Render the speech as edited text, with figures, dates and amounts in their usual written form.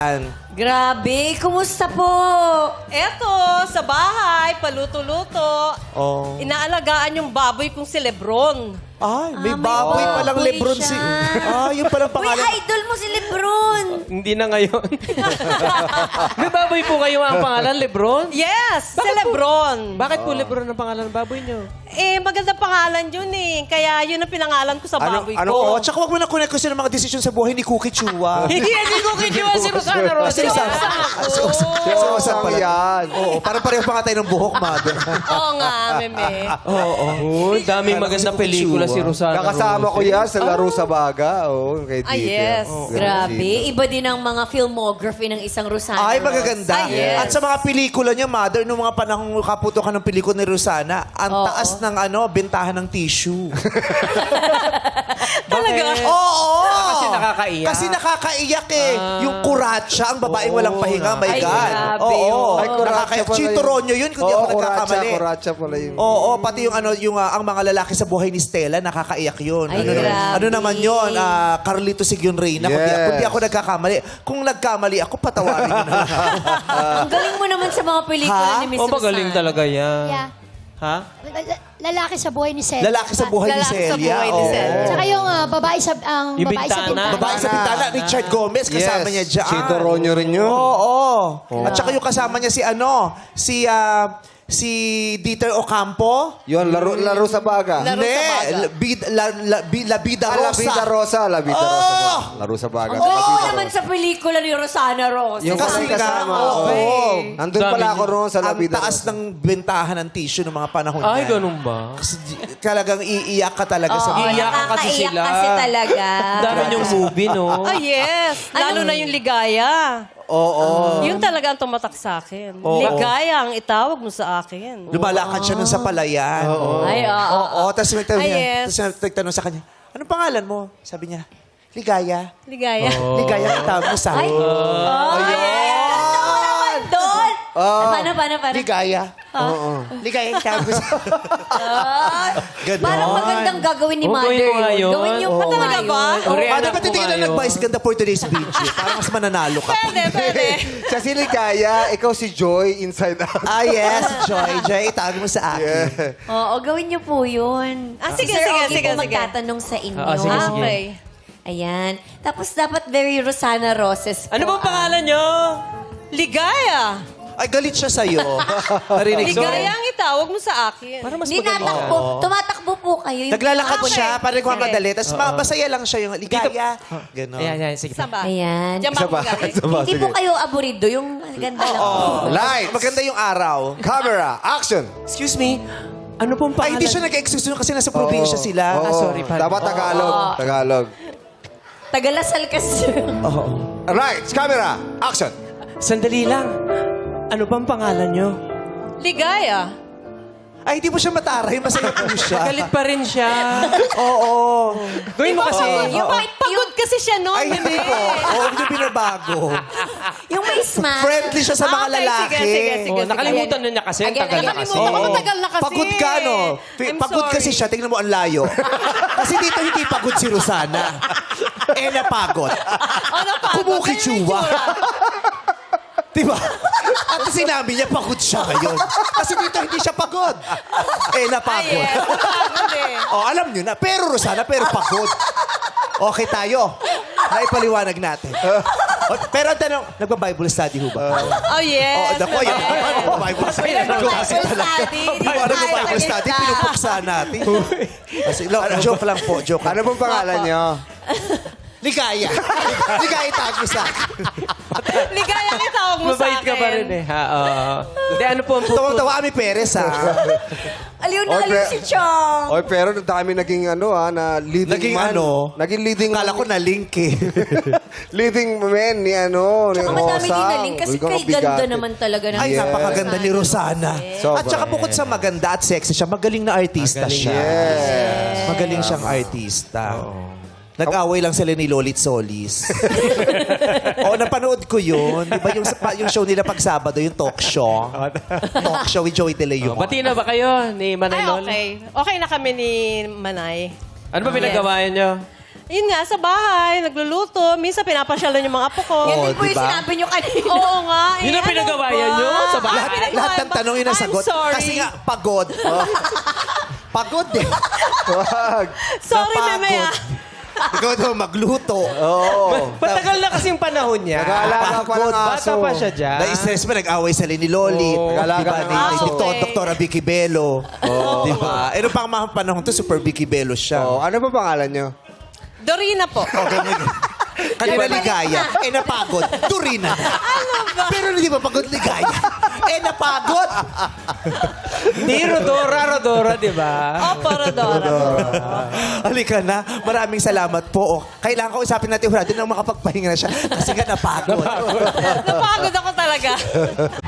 Grabe, kumusta po? Eto, sa bahay, paluto-luto. Oh. Inaalagaan yung baboy kong si Lebron. Ay, may may baboy palang baboy Lebron si... siya. Yung palang Uy, pangalan. idol mo si Lebron. Hindi na ngayon. May baboy po kayo ang pangalan, Lebron? Yes, si Lebron. Bakit po Lebron ang pangalan ng baboy nyo? Maganda pangalan yun eh. Kaya yun ang pinangalan ko sa baboy ko. Oo, tsaka wag mo na connect ko ng mga desisyon sa buhay ni Cookie Chua. Hindi ko kinuha si Rosana Rosa. Si Rosana. Si Rosana pala. yan. Oo, parang pareho pa nga tayo ng buhok, mother. Oo nga, meme. Oh, daming magandang pelikula si Rosana. Kakasama ko yan sa Laro sa Baga. Oo, kay Ah, Tito. yes. Grabe, iba din ang mga filmography ng isang Rosana. Ay, magaganda. Ah, yes. At sa mga pelikula niya, mother, nung mga panahon kaputokan ng pelikula ni Rosana, ang Oo. taas ng bentahan ng tissue. Talaga? Oo! Kasi nakakaiyak. Kasi nakakaiyak eh. Yung kuratsa, ang babaeng walang pahinga, my Ay, God. grabe, Oo. oo. Ay, kuratsa Nakakaiyak. pala Chito yun. Ronyo yun, kung di ako nagkakamali. Kuratsa pala yun. Oo, pati yung ang mga lalaki sa buhay ni Stella, nakakaiyak yun. Ay, Ano grabe. naman yun? Carlito Sigyon Reyna. Kung di ako nagkakamali. Kung nagkamali ako, patawarin nyo na. Ang galing mo naman sa mga pelikula Ha? ni Miss Oh, Rosana. magaling talaga yan. Yeah. Ha? Lalaki sa buhay ni Celia. Lalaki sa buhay ni Lalaki sa Celia. buhay ni oo. Celia. Tsaka yung babae sa Yung babae sa bintana. bintana. Babae sa Bintana, Richard Gomez, kasama niya dyan. Chito Ronyo rin yun. Oo. At saka yung kasama niya si Dieter Ocampo. Yun, laro sa Baga. Laro sa Baga. La Vida La Rosa. Vida Rosa. La Vida Rosa. Oh! Laro sa Baga. Ang La galing mo Vida naman Rosa. sa pelikula ni Rosana Rosa. Yung Kasi kasi nga, kasama. oo. Oo. Nandun pala ako roon sa La Ang Vida taas Rosa. ng bentahan ng tissue ng mga panahon Ay, niyan. ganun ba? Kasi talagang iiyak ka talaga sa Oo, mga... Iiyakan kasi nakakaiyak sila. kasi talaga. Dami yung movie, no? Ah, yes. Lalo na yung ligaya. Oo. Yun talaga ang tumatak sa akin. Oo. Ligaya ang itawag mo sa akin. Lumalakad siya nun sa palayan. Ay, oo. Oo. Tapos may tanong Ay, niya. yes. Tapos nagtanong sa kanya, anong pangalan mo? Sabi niya, Ligaya. Ligaya. Ligaya ang tawag mo sa akin. Ayun! Doon! Paano? Ligaya. Ligaya ang tawag mo sa Ganon. Parang magandang gagawin ni Oo, Mother gawin mo nga yun. yun. Gawin yung Oo. Talaga ba? O, Rihanna Ano ba po titigil na kayo. nag-vice ganda for today's video? Para mas mananalo ka. Pwede. Siya si Ligaya, ikaw si Joy, Inside Out. Ah, yes. Joy. Joy, itawag mo sa akin. Oo, gawin niyo po yun. Ah, sige, Sir sige, Ogie sige, po sige. magtatanong sa inyo. Ah, sige, sige. Okay. Ayan. Tapos dapat very Rosana Roses po. Ano bang pangalan nyo? Ligaya. Ay, galit siya sa'yo. Narinig ko. Ligaya ang itawag mo sa akin. Para mas Hindi magaling. natakbo. Tumatakbo po kayo. Yung Naglalakad Okay. siya, parang kung Sige. madali. Tapos masaya lang siya yung ligaya. Ganon. Ayan, sige. Saan ba? Ayan. Diyan ba ako galing? Hindi po kayo aburido. Yung ganda lang. Lights. Maganda yung araw. Camera. Action. Excuse me, ano pong Ay, pangalan? hindi siya nag-excuse nun kasi nasa probinsya sila. Oo. sorry, pal. Dapat Tagalog. Tagalog. Tagalasal kasi. Lights. Camera. Action. Sandali lang. Ano bang pangalan nyo? Ligaya. Ay, hindi mo siya mataray. Masaya po siya. Galit pa rin siya. Oo. Gawin mo kasi. Pagod kasi siya noon. Ay, hindi po. Oo, hindi binabago. Yung may smile. Friendly siya sa mga Okay, lalaki. sige. Oh, nakalimutan na niya kasi. Again, Tagal na kasi. Nakalimutan ko, matagal na kasi. Pagod ka, no? I'm Pagod sorry. kasi siya. Tingnan mo ang layo. Kasi dito hindi pagod si Rosana. Napagod. Ano pa? Kumukichuwa. Diba? At sinabi niya, pagod siya ngayon. Kasi dito hindi siya pagod. Ay, Napagod. yes. Pagod eh. Oh, alam niyo na. Pero Rosana, pero pagod. Okay tayo. Naipaliwanag natin. Pero ang tanong, nagpa-Bible study ho ba? Oh, yes. Naku, yan. Bible study. Kasi talaga. Bible study, pinupuksa natin. Kasi, joke lang po, joke. Ano pong pangalan niyo? Ligaya. Ligaya tago sa akin. Ligaya ang itawag mo sa akin. Mabait ka pa rin eh. Ha, Hindi, ano po ang Tawang-tawa kami Perez, ha? Aliw na aliw si Chong. Oy, pero dami naging na leading Naging man. Naging leading Kala ko na-link eh. leading man ni Tsaka madami din Hosang. na link kasi Uy, kay bigat. ganda naman talaga ng Ay, napakaganda ni Rosana. Sobra. At saka bukod sa maganda at sexy siya, magaling na artista Magaling. siya. Yes. Magaling siyang artista. Nag-away lang sila ni Lolit Solis. Napanood ko yun. Di ba yung show nila pag Sabado, yung talk show? Talk show with Joey De Leon. Bati na ba kayo ni Manay Ay, Lol? okay. Okay na kami ni Manay. Ano ba pinagawa nyo? Yun nga, sa bahay, nagluluto. Minsan pinapasyalan yung mga apo ko. Yan Oo, din po yung diba? sinabi nyo kanina. Oo nga. Yun ang pinagawayan nyo sa bahay? Lahat ng tanong yun ang I'm sagot. sorry. Kasi nga, pagod. Pagod eh. Wag. Sorry, Napagod. Meme, ah. Ikaw daw magluto. Oo. Matagal na kasing panahon niya. Nag-aalaga pa ng Bata aso. pa siya dyan. Na-stress pa, nag-away sa ni Lolit. Oo. Nag-alaga Diba? ng Ni aso. Dr. Vicky Bello. Diba? Ano pang mga panahon to, super Vicky Bello siya. Oh, ano ba pangalan nyo? Dorina po. Kanina ligaya. Napagod. Turina. Pero hindi ba pagod ligaya? Napagod. Di Rodora, di ba? Opo, Rodora. Halika na. Maraming salamat po. Kailangan ko usapin natin ng makapagpahinga na siya. Kasi nga napagod. Napagod ako talaga.